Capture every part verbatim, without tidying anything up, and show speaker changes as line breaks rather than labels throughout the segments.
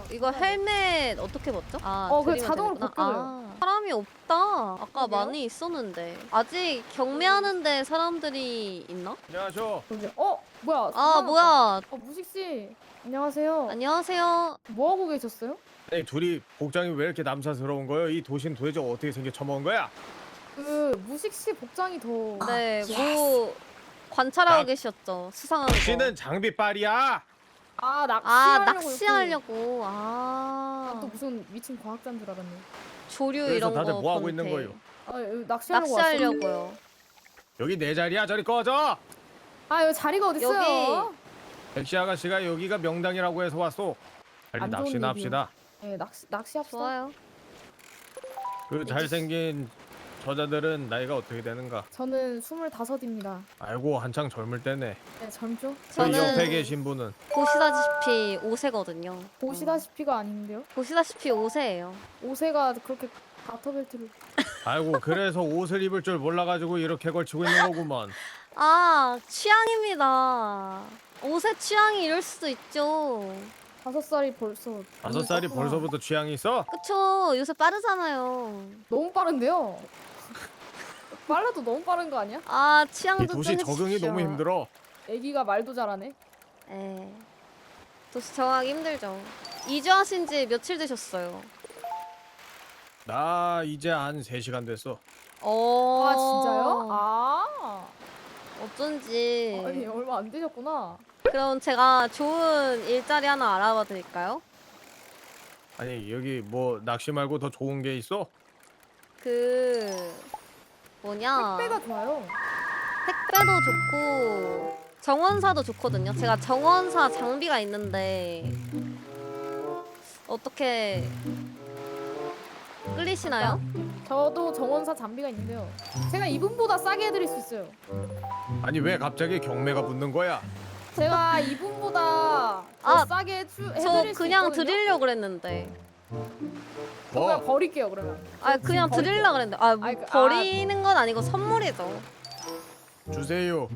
이거 헬멧 어떻게 벗죠? 아,
어, 그래,
드리면
자동으로
되는구나.
벗겨져요.
아, 사람이 없다. 아까
그러게요?
많이 있었는데. 아직 경매하는데 사람들이 있나?
안녕하쇼.
그러게. 어, 뭐야?
아,
사람
뭐야.
왔다. 어, 무식 씨. 안녕하세요.
안녕하세요.
뭐 하고 계셨어요?
아니 둘이 복장이 왜 이렇게 남사스러운 거예요? 이 도시는 도대체 어떻게 생겨 처먹은 거야?
그 무식 씨 복장이 더.
네, 뭐 관찰하고
나-
계셨죠. 수상한 거.
당신은 장비빨이야.
아,
아,
낚시하려고.
낚시하려고.
이렇게.
아.
아, 또 무슨 미친 과학자인 줄 알았네.
조류
그래서
이런
다들
거
뭐 하고
건태.
있는 거예요?
아, 여기 낚시하려고 왔어.
낚시하려고요.
여기 내 자리야. 저리 꺼져.
아, 여기 자리가 어디 있어요?
여기.
백시 아가씨가 여기가 명당이라고 해서 왔어. 빨리
안 좋은
낚시나
얘기요.
합시다.
네, 낚시 낚시합시다.
좋아요.
그 잘생긴 저자들은 나이가 어떻게 되는가?
저는 스물다섯입니다.
알고 한창 젊을 때네.
네, 젊죠?
그 옆에
저는
계신 분은
보시다시피 오 세거든요.
보시다시피가 아닌데요?
보시다시피 오 세예요.
오 세가 그렇게 가터벨트를.
아이고 그래서 옷을 입을 줄 몰라가지고 이렇게 걸치고 있는 거구먼.
아, 취향입니다. 옷의 취향이 이럴 수도 있죠.
다섯 살이 벌써.
다섯 살이
떴구나.
벌써부터 취향이 있어?
그쵸. 요새 빠르잖아요.
너무 빠른데요? 빨라도 너무 빠른 거 아니야?
아, 취향
이
좀
도시
좀
적응이
해주십시오.
너무 힘들어.
애기가 말도 잘하네.
에. 도시 정하기 힘들죠. 이주하신 지 며칠 되셨어요?
나 이제 한 세 시간 됐어.
어.
아, 진짜요? 아.
어쩐지.
아니, 얼마 안 되셨구나.
그럼 제가 좋은 일자리 하나 알아봐 드릴까요?
아니 여기 뭐 낚시 말고 더 좋은 게 있어?
그 뭐냐?
택배가 좋아요.
택배도 좋고 정원사도 좋거든요. 제가 정원사 장비가 있는데 어떻게 끌리시나요?
저도 정원사 장비가 있는데요. 제가 이분보다 싸게 해드릴 수 있어요.
아니 왜 갑자기 경매가 붙는 거야?
제가 이분보다 더
아,
싸게 해주, 해드릴
저
수
그냥
있거든요.
드리려고 그랬는데.
저 그냥
뭐?
버릴게요 그러면.
아,
저
그냥
지금
드리려고 그랬는데. 아,
아이, 그- 아.
버리는 건 아니고 선물이죠.
주세요.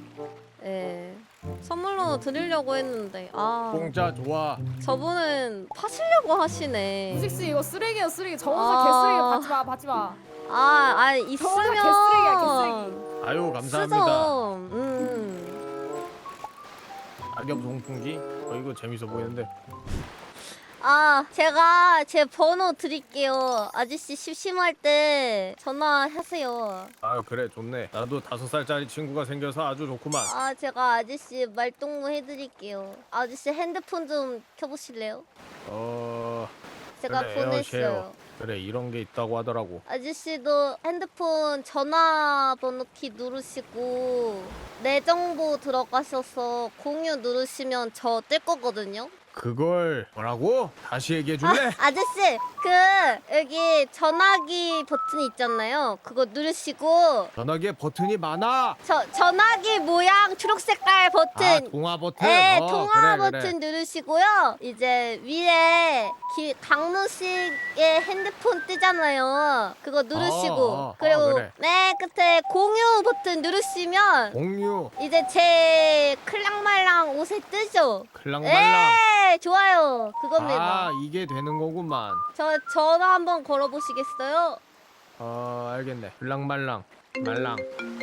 예. 선물로 드리려고 했는데. 아,
공짜 좋아.
저분은 파시려고 하시네.
무식씨 이거 쓰레기야 쓰레기. 정원사
아.
개쓰레기 받지 마 받지 마.
아, 아
정원사
있으면
개쓰레기야 개쓰레기.
아유 감사합니다.
쓰죠. 음.
악엽 송풍기? 어 이거 재밌어 보이는데.
아, 제가 제 번호 드릴게요. 아저씨 심심할 때 전화하세요.
아유 그래 좋네. 나도 다섯 살짜리 친구가 생겨서 아주 좋구만.
아, 제가 아저씨 말동무 해드릴게요. 아저씨 핸드폰 좀 켜보실래요?
어
제가
그래,
보냈어요.
에어쉐어. 그래 이런 게 있다고 하더라고.
아저씨도 핸드폰 전화번호 키 누르시고 내 정보 들어가셔서 공유 누르시면 저 뜰 거거든요.
그걸 뭐라고? 다시 얘기해 줄래?
아, 아저씨 그 여기 전화기 버튼이 있잖아요. 그거 누르시고
전화기에 버튼이 많아.
저 전화기 모양 초록 색깔
아
버튼.
통화 버튼.
네,
어,
통화
그래,
버튼
그래.
누르시고요. 이제 위에 기, 강누식의 핸드폰 뜨잖아요. 그거 누르시고
어, 어,
그리고
어, 그래.
맨 끝에 공유 버튼 누르시면
공유.
이제 제 클랑말랑 옷에 뜨죠.
클랑말랑.
네, 좋아요. 그겁니다.
아 이게 되는 거구만.
저 전화 한번 걸어보시겠어요?
어 알겠네. 클랑말랑 말랑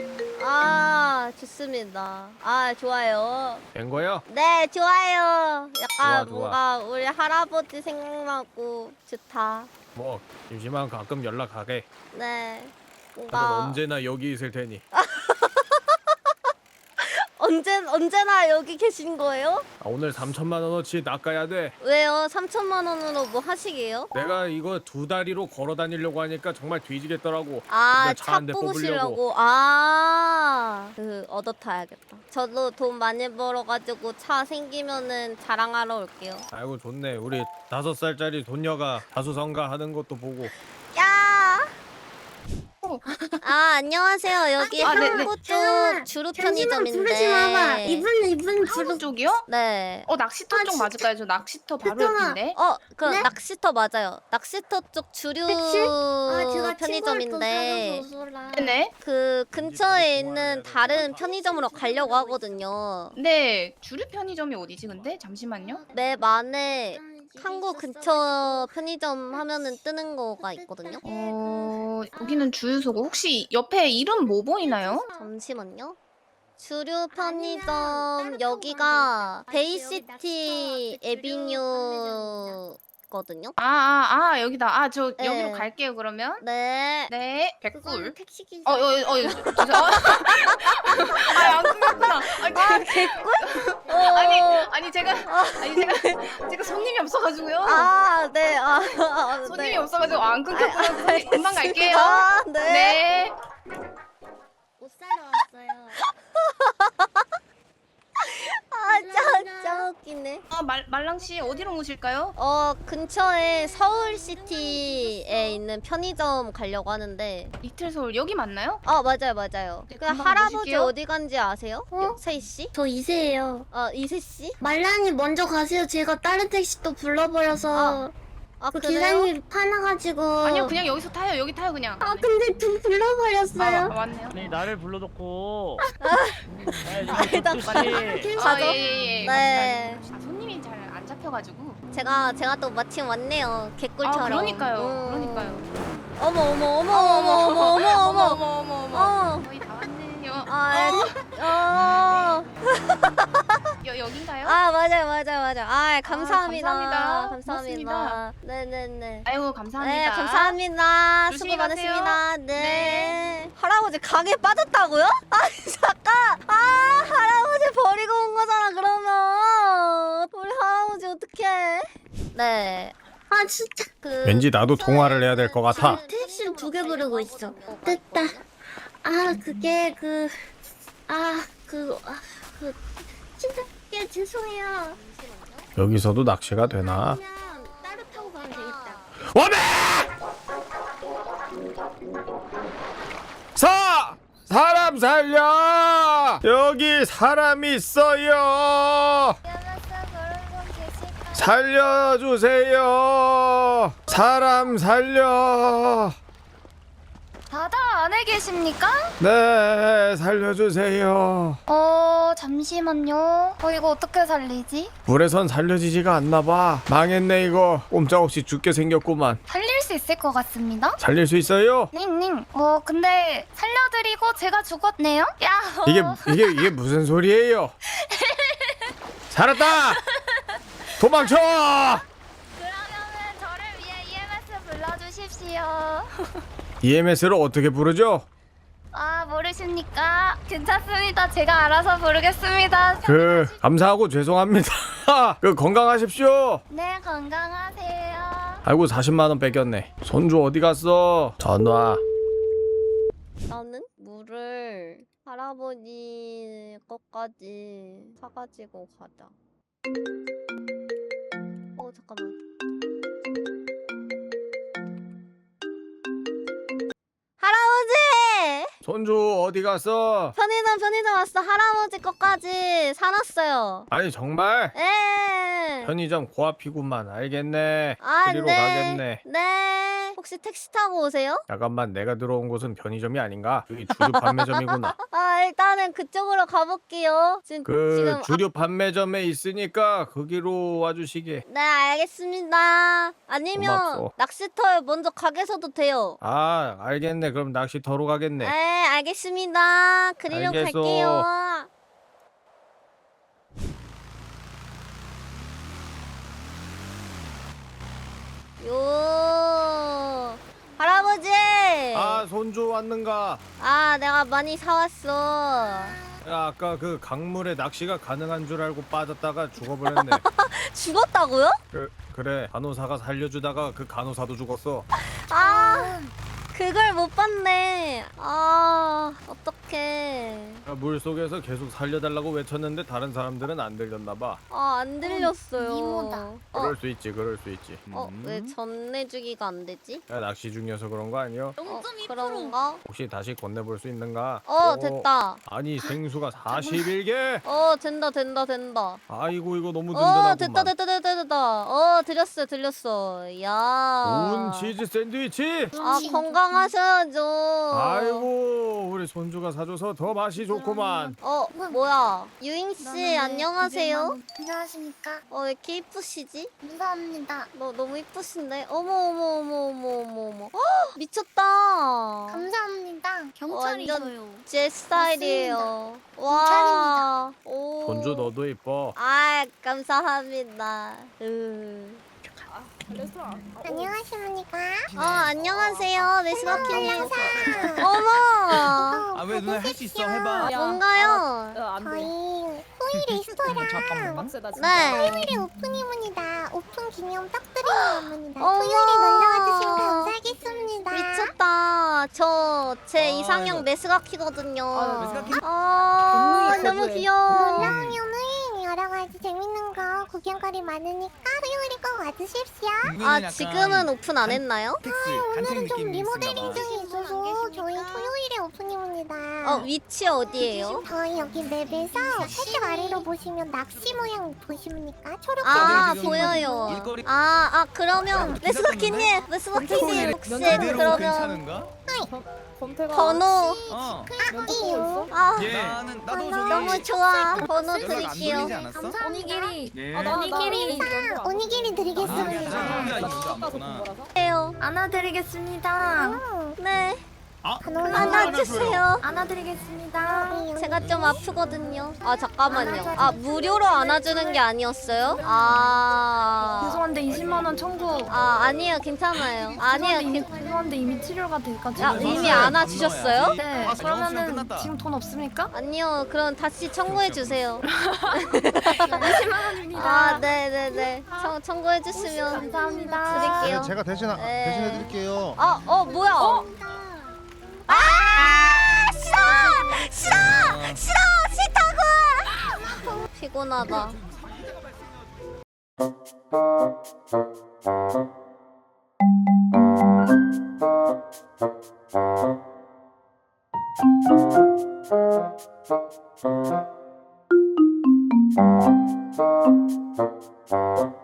아, 좋습니다. 아, 좋아요.
된 거요?
네, 좋아요. 약간
좋아, 좋아.
뭔가 우리 할아버지 생각나고 좋다.
뭐 심심하면 가끔 연락하게.
네.
나는
뭔가
언제나 여기 있을 테니.
언제 언제나 여기 계신 거예요?
아, 오늘 삼천만 원어치 낚아야 돼.
왜요? 삼천만 원으로 뭐 하시게요?
내가 이거 두 다리로 걸어 다니려고 하니까 정말 뒤지겠더라고.
아,
근데 차
차
한 대
뽑으시려고. 아, 그 얻어 타야겠다. 저도 돈 많이 벌어가지고 차 생기면은 자랑하러 올게요.
아이고 좋네. 우리 다섯 살짜리 돈녀가 다수성가 하는 것도 보고.
야! 아, 안녕하세요. 여기
아, 네네.
한국 쪽
잠깐만,
주루
잠시만 부르지 마봐.
편의점인데.
이분 이분 주로
한국 쪽이요?
네.
어 낚시터
아,
쪽
진짜?
맞을까요? 저 낚시터 바로
잠깐만.
옆인데.
어, 그
네?
낚시터 맞아요. 낚시터 쪽 주류
택시? 아 제가
편의점인데
친구를
네네.
그 근처에 있는 다른 편의점으로 가려고 하거든요.
네 주류 편의점이 어디지 근데? 잠시만요.
맵 안에 항구 근처 편의점 하면은 뜨는 거가 있거든요.
어, 여기는 주유소고 혹시 옆에 이름 뭐 보이나요?
잠시만요. 주류 편의점 여기가 베이시티 에비뉴거든요.
아, 아, 아, 여기다. 아, 저
네.
여기로 갈게요, 그러면.
네.
네,
그거는
백불.
택시 기사.
어, 어, 어, 어, 죄송. 아, 안 끊겼구나. 아니,
아 개꿀? 어.
아니, 아니 제가, 아니 제가, 제가 손님이 없어가지고요.
아 네. 아, 아
손님이
네.
없어가지고 안 끊겼구나. 손님 금방 갈게요.
아 네.
네.
옷 사러 왔어요.
아 진짜 웃기네.
아, 말 말랑 씨 어디로 오실까요?
어 근처에 서울시티에 있는 편의점 가려고 하는데.
리틀 서울 여기 맞나요?
아 맞아요 맞아요.
네,
그
금방
할아버지
모실게요.
어디 간지 아세요?
어?
세희 씨?
저 이세예요.
아 이세 씨?
말란이 먼저 가세요. 제가 다른 택시 또 불러버려서
아
그
그래요?
기사님이 화나가지고.
아니요, 그냥 여기서 타요. 여기 타요, 그냥.
아 근데 좀
아,
불러버렸어요.
맞네요.
아니 나를 불러놓고
아니다.
빨리
아, 예, 예, 예.
네.
아, 손님이 잘 안 잡혀가지고.
제가 제가 또 마침 왔네요. 개꿀처럼.
아, 그러니까요.
음.
그러니까요.
어머 어머 어머 어머 어머 어머 어머
어머,
어머.
어머, 어머.
어.
거의 다 왔네요.
아, 어.
여, 여긴가요?
아 맞아요 맞아요 맞아요. 아 감사합니다.
감사합니다.
감사합니다.
고맙습니다.
네네네.
아이고, 감사합니다.
네 감사합니다.
조심히
수고
가세요.
많으십니다. 네.
네.
할아버지 강에 빠졌다고요? 아니 잠깐. 아 할아버지 버리고 온 거잖아 그러면. 우리 할아버지 어떡해? 네.
아 진짜.
그
왠지 나도 통화를 해야 될 것 같아.
택시를 두 개 부르고 있어. 됐다. 아 그게 그. 아 그. 아, 그. 진짜 예, 죄송해요.
여기서도 낚시가 되나?
그냥 따로 타고 가면 되겠다.
와메! 사! 사람 살려! 여기 사람 있어요! 살려주세요! 사람 살려!
다들 안에 계십니까?
네, 살려주세요.
어, 잠시만요. 어, 이거 어떻게 살리지?
불에선 살려지지가 않나봐. 망했네 이거. 꼼짝없이 죽게 생겼구만.
살릴 수 있을 것 같습니다.
살릴 수 있어요?
닝닝. 어, 근데 살려드리고 제가 죽었네요? 야,
이게 이게 이게 무슨 소리예요? 살았다! 도망쳐!
그러면은 저를 위해 이엠에스 불러주십시오.
이엠에스를 어떻게 부르죠?
아, 모르십니까? 괜찮습니다. 제가 알아서 부르겠습니다.
그 감사하고 죄송합니다. 그 건강하십시오.
네, 건강하세요.
아이고 사십만 원 뺏겼네. 손주 어디 갔어? 전화.
나는 물을 할아버지 것까지 사가지고 가자. 어 잠깐만. 할아버지!
손주 어디 갔어?
편의점 편의점 왔어. 할아버지 것까지 사놨어요.
아니 정말?
에.
편의점 고앞이구만. 알겠네.
아,
그리로
네.
가겠네.
네. 혹시 택시 타고 오세요?
잠깐만 내가 들어온 곳은 편의점이 아닌가? 여기 주류 판매점이구나.
아 일단은 그쪽으로 가볼게요. 지금
그
지금
주류 판매점에 있으니까 거기로 와주시게.
아, 네 알겠습니다. 아니면
고맙소.
낚시터에 먼저 가게서도 돼요.
아 알겠네. 그럼 낚시터로 가겠네.
네 알겠습니다. 그리로
알겠어.
갈게요. 요 할아버지.
아 손주 왔는가?
아 내가 많이 사왔어.
야, 아까 그 강물에 낚시가 가능한 줄 알고 빠졌다가 죽어버렸네.
죽었다고요?
그, 그래 간호사가 살려주다가 그 간호사도 죽었어.
아 그걸 못 봤네. 아 어떡해.
물 속에서 계속 살려달라고 외쳤는데 다른 사람들은 안 들렸나봐.
아 안 들렸어요.
이모다.
어,
그럴 수 있지 그럴 수 있지.
어,
음.
왜 전내주기가 안 되지?
야, 낚시 중이어서 그런 거 아니여?
어, 그런가?
혹시 다시 건네볼 수 있는가?
어, 됐다.
아니 생수가 사십일 개?
어, 된다, 된다, 된다.
아이고 이거 너무
어,
든든하구만.
됐다, 됐다, 됐다, 됐다. 어, 들렸어, 들렸어. 야.
온 치즈 샌드위치?
아, 건강 안녕하셔야죠.
아이고 우리 손주가 사줘서 더 맛이 좋구만.
어 뭐야 유인 씨 안녕하세요.
안녕하십니까?
어 왜 이렇게 이쁘시지?
감사합니다.
너 너무 이쁘신데? 어머 어머 어머 어머 어머 어머. 헉, 미쳤다.
감사합니다. 경찰이셔요.
제 스타일이에요. 와. 오.
손주 너도 이뻐.
아 감사합니다. 으.
레스토랑. 아, 어.
안녕하십니까?
어 안녕하세요 메스바키님.
안녕하세요.
어머.
아 왜 누나 할 수 있어 해봐.
야,
뭔가요?
아, 안
저희
돼.
호이 레스토랑
잠깐만.
빡세다 진짜.
네.
토요일에 오픈입니다. 오픈 기념 딱 드리는 겁니다.
어머.
토요일에 놀러와 주시면 감사하겠습니다.
미쳤다. 저 제
아,
이상형
이거.
메스가키거든요.
아,
메스가키?
아
동물이
너무
거부해.
귀여워.
올라오면은 여러 가지 재밌는 거 구경거리 많으니까 토요일에 꼭 와주십시오.
아 지금은 오픈 안 했나요?
텍스 간택
오늘은 좀
느낌이
리모델링
있었나 봐.
중에 있어서 저희 토요일에 오픈입니다.
어 위치 어디예요?
저희 여기 맵에서 살짝 아래로 보시면 낚시 모양 보십니까? 초록
아
저기
보여요.
일거리-
아 아 그러면 메스가키님 메스가키님 혹시
그대로
그러면
괜찮은가?
검태가.
번호
어.
면접 있어?
아
예. 나는 나도 저기
너무 좋아. 번호
연락 안
드릴게요.
돌리지 않았어?
오니기리
예.
아, 나, 나,
오니기리.
나,
오니기리
아,
드리겠습니다.
야,
나
이거
깎아서
안
본
봤구나.
거라서.
해요.
안아드리겠습니다.
네
아,
안아주세요.
안아드리겠습니다.
제가 좀 아프거든요. 아 잠깐만요. 아 무료로 안아주는 게 아니었어요? 아.
죄송한데 이십만 원 청구.
아 아니에요 괜찮아요. 아니에요.
이미
괜-
죄송한데 이미 치료가 돼가지고.
야 이미 안아주셨어요?
네.
아, 영수증
그러면은
끝났다.
지금 돈 없습니까?
아니요. 그럼 다시 청구해 주세요.
이십만 원입니다.
아 네네네. 청 청구해 주시면
감사합니다.
드릴게요.
제가 대신
네.
대신해 드릴게요.
어, 어, 뭐야? 어? 아, 싫어! 싫어! 싫어! 싫다고! 피곤하다.
어?